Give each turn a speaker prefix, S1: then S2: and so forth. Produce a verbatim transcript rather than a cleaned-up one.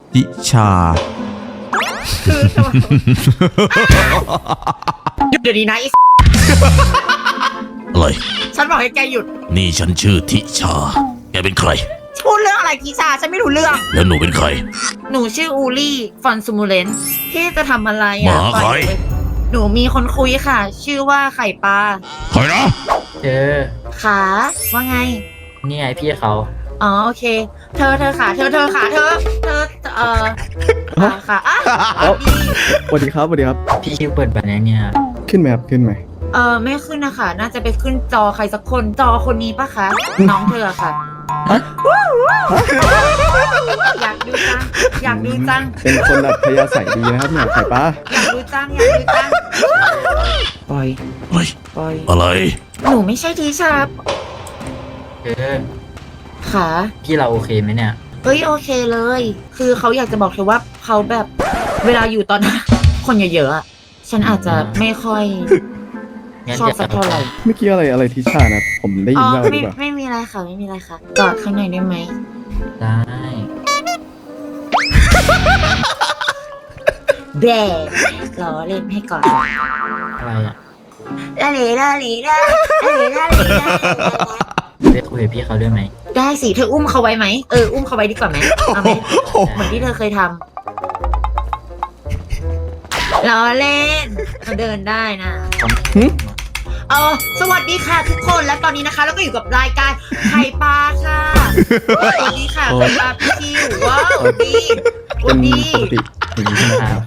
S1: ทิชา
S2: คือหยุดเดี๋ยวนี้นะไอ้
S3: อะไร
S2: ฉันบอกให้แกหยุด
S3: นี่ฉันชื่อทิชา แกเป็นใคร
S2: พูดเรื่องอะไรกีชาฉันไม่รู้เรื่อง
S3: แล้วหนูเป็นใคร
S2: หนูชื่ออูลี่ฟอนซูมูเลนพี่จะทำอะไร
S3: ห
S2: อ่ะ
S3: มาใคร
S2: หนูมีคนคุยค่ะ ชื่อว่าไข่ปลา
S3: ใครนะ
S4: เธอ
S2: ขาว่าไง
S4: นี่ไงพี่เขา
S2: อ๋อโอเค เธอเธอขาเธอเธอขาเธอ เธอเออขาขาอ่ะดี
S5: สวัสดีครับสวัสดีครับ
S4: พี่ชื่อเปิดแบบนี้เนี่ย
S5: ขึ้นไหมครับขึ้นไหม
S2: เออไม่ขึ้นนะคะน่าจะไปขึ้นจอใครสักคนจอคนนี้ปะคะน้องเธอค่ะอยากดูจังอยากดูจัง
S5: เป็นคนอัธยาศัยดีนะครับเนี่ยไข่ปลา
S2: อยากดูจังอยากดูจังปล่อย
S3: เฮ้ย
S2: ปล่อย
S3: อะไร
S2: หนูไม่ใช่ทีชาร์ป
S4: เธอ
S2: ขา
S4: พี่เราโอเคไหมเนี่ย
S2: เฮ้ยโอเคเลย คือเขาอยากจะบอกเธอว่าเขาแบบเวลาอยู่ตอนนั้น คนเยอะๆอะฉันอาจจะไม่ค่อย
S4: งั้น
S2: ชอบ
S4: เดี๋ยว
S2: สักเท่าไหร่
S5: เมื่อกี้อะไรอะไรทิชานะผมได้
S2: อ๋
S5: ยิ
S2: อน
S5: ว่าอะไรห
S2: ไม่
S5: รือเปล่า
S2: ไม่มีอะไรค่ะไม่มีอะไรค่ะกอดข้างในได้ไหม
S4: ได้
S2: แบ่รอเล่นให้ก่อน
S4: อะไรอ่ะ
S2: ลาเลลาเลลาลาเลลาเลลา
S4: ได้คุยกับพี่เขาด้วยไหม
S2: ได้สิเธออุ้มเขาไว้ไหมเอออุ้มเขาไว้ดีกว่าไหมเอาไหมเหมือนที่เธอเคยทำรอเล่นเขาเดินได้นะเออสวัสดีค่ะทุกคนและตอนนี้นะคะเราก็อยู่กับรายการไข่ปลาค่ะสวัสดีค่ะไข่ปลาพี่คิวว้าวดีส
S5: เป็
S2: วัน สดี
S5: ปกติอย่างนี้ใช่ไหมครับ